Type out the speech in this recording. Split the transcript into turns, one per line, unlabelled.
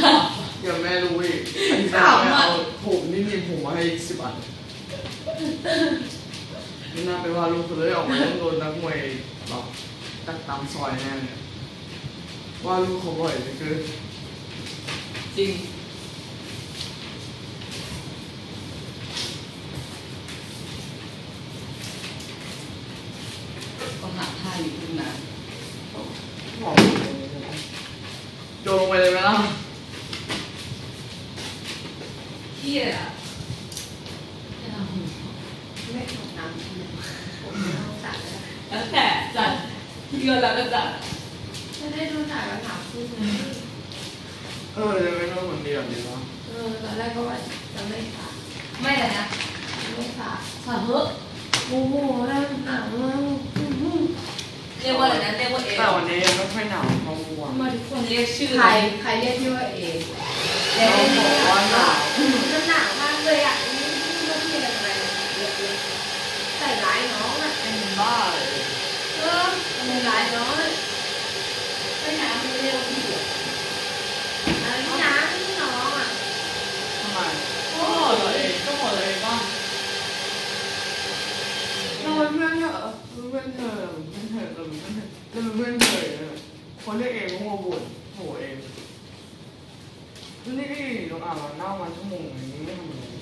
อย่าแม่รู้อีกแม่เอาผมนี่มีผมมาให้10 อันนี่น่าไปว่าลูกเลยออกมาต้องโดนนักมวยแบบตักตามซอยแน่เนี่ยว่าลูกเขาบ่อยเลยคือ
จริงก็หาท่าอยู่ขึ้นนะ
โยนลงไปเลยไหมล่ะ
เที่ย
ไม่ตกน้ำผมไม่ต้องจัด
แล้วแต่จัดเงินแล้วก็จัด
จะได้ดูจ่ายวันหลังขึ้นไง
จะไม่ต้องเหมือนเดิมดีวะ
ตอนแรกก็ว่าจะไม่สา
ไม่แต่นะ
ไม่สา
สาเฮ้
โอ้โหแล้วหนาวมาก
เรียกว่าอะไรนะเรียกว่าเอ
แต่วันนี้ไม่ค่อยหนาวเท่าเมื่อวาน
มาทุกคนเรียกชื่อ
ใครเรียกพี่ว่าเอ
เราบอกว่าหนาว
มันหนาวมากเลยอ่ะนี่ว่าพี่อะไรอะไรใส่ร้ายน้องอ่ะ
เป็นบ้าเลย
มันร้ายน้อง
ไม่น้ำไม่เรียกพี่
อะไรที่น้ำที่น้องอ่ะ
ทำไม
ก็หมดเลยก็หมดเลยป่ะ
เราเป็นเพื่อนเธอเพื่อนเธอเพื่อนเธอเราเป็นเพื่อนเธอคนเรียกเองก็มาบ่นโหเองนี่น้องอ่านมาเน่ามาชั่วโมงอย่างนี้ไม่ทำอะไร